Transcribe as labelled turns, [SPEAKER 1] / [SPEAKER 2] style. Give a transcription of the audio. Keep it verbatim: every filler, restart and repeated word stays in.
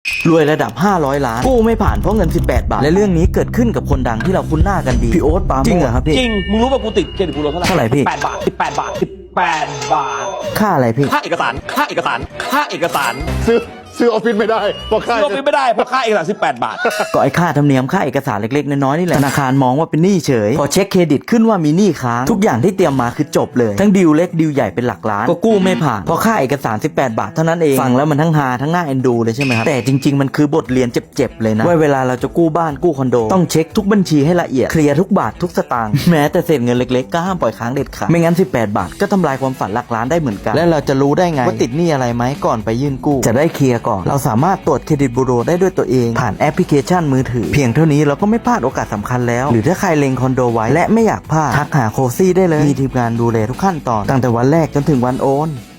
[SPEAKER 1] รวยระดับห้าร้อยล้านกู้ไม่ผ่านเพราะเงินสิบแปดบาทและเรื่องนี้เกิดขึ้นกับคนดังที่เราคุ้นหน้ากันดีพี่โอ๊ตปราโมชจริงเหรอครับพี่
[SPEAKER 2] จริงมึงรู้ป่ะกูติดเครดิตบูโรเท่าไหร่
[SPEAKER 1] เท่าไหร่พี่
[SPEAKER 2] แปดบาทสิบแปดบาทสิบแปดบาท
[SPEAKER 1] ค่าอะไรพี่
[SPEAKER 2] ค่าเอกสารค่าเอกสารค่าเอกสาร
[SPEAKER 3] ซื้อซื้อออฟฟิศไม่ได้เพราะค่า
[SPEAKER 2] ซื้อไม่ได้เพราะค่าเอกสารสิบแปดบาท
[SPEAKER 1] ก็ไอ้ค่าธรรมเนียมค่าเอกสารเล็กๆน้อยๆนี่แหละธนาคารมองว่าเป็นหนี้เฉยพอเช็คเครดิตขึ้นว่ามีหนี้ค้างทุกอย่างที่เตรียมมาคือจบเลยทั้งดีลเล็กดีลใหญ่เป็นหลักล้านก็กู้ไม่ผ่านเพราะค่าเอกสารสิบแปดบาทเท่านั้นเองฟังแล้วมันทั้งฮาทั้งน่าเอ็นดูเลยใช่ไหมครับแต่จริงๆมันคือบทเรียนเจ็บๆเลยนะว่าเวลาเราจะกู้บ้านกู้คอนโดต้องเช็คทุกบัญชีให้ละเอียดเคลียร์ทุกบาททุกสตางค์แม้แต่เศษเงินเล็กๆก็ห้ามปล่อยค้างเด็ดขาดไม่งั้นสิบแปดบาทก็ทำลายความฝันหลักล้านได้เหมือนกันและเราจะรู้ได้ไงว่าติดหนี้อะไรไหมก่อนไปยื่นกู้จะได้เคลียร์ก่อนเราสามารถตรวจเครดิตบูโรได้ด้วยตัวเองผ่านแอปพลิเคชันมือถือเพียงเท่านี้เราก็ไม่พลาดโอกาสสำคัญแล้วหรือถ้าใครเล็งคอนโดไว้และไม่อยากพลาดทักหาโคซี่ได้เลยมีทีมงานดูแลทุกขั้นตอนตั้งแต่วันแรกจนถึงวันโอน